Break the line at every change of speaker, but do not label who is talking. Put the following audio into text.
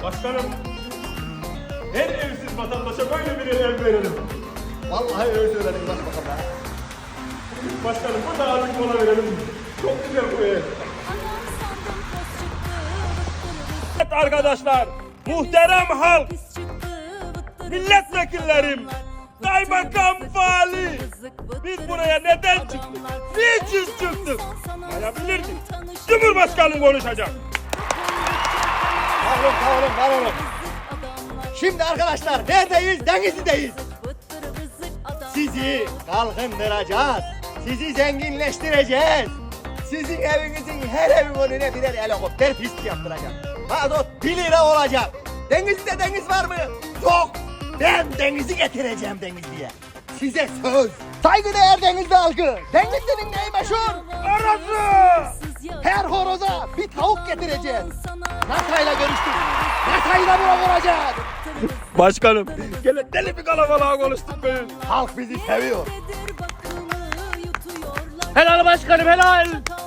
Başkanım, her evsiz vatandaşa böyle bir ev verelim.
Vallahi öyle söyledim başbakan ya.
Başkanım, bu da artık mola verelim. Çok güzel bu ev. Evet arkadaşlar, muhterem halk, milletvekillerim, kaymakam vali, biz buraya neden çıktık? Niçin çıktık? Sayabilirdik. Cumhurbaşkanım konuşacak.
Var olun. Şimdi arkadaşlar neredeyiz? Denizli'deyiz. Sizi kalkındıracağız. Sizi zenginleştireceğiz. Sizin evinizin her evin önüne birer helikopter pisti yaptıracağım. Mazot 1 lira olacak. Denizli'de deniz var mı? Yok. Ben denizi getireceğim Denizli'ye. Size söz. Saygıdeğer Denizli halkı. Denizli'nin neyi meşhur? Horozu. Her horoza bir tavuk getireceğiz. NASA'yla görüştük. NASA'yla buna vuracağız.
Başkanım, gene deli bir kalabalığa konuştuk be.
Halk bizi seviyor.
Helal başkanım helal.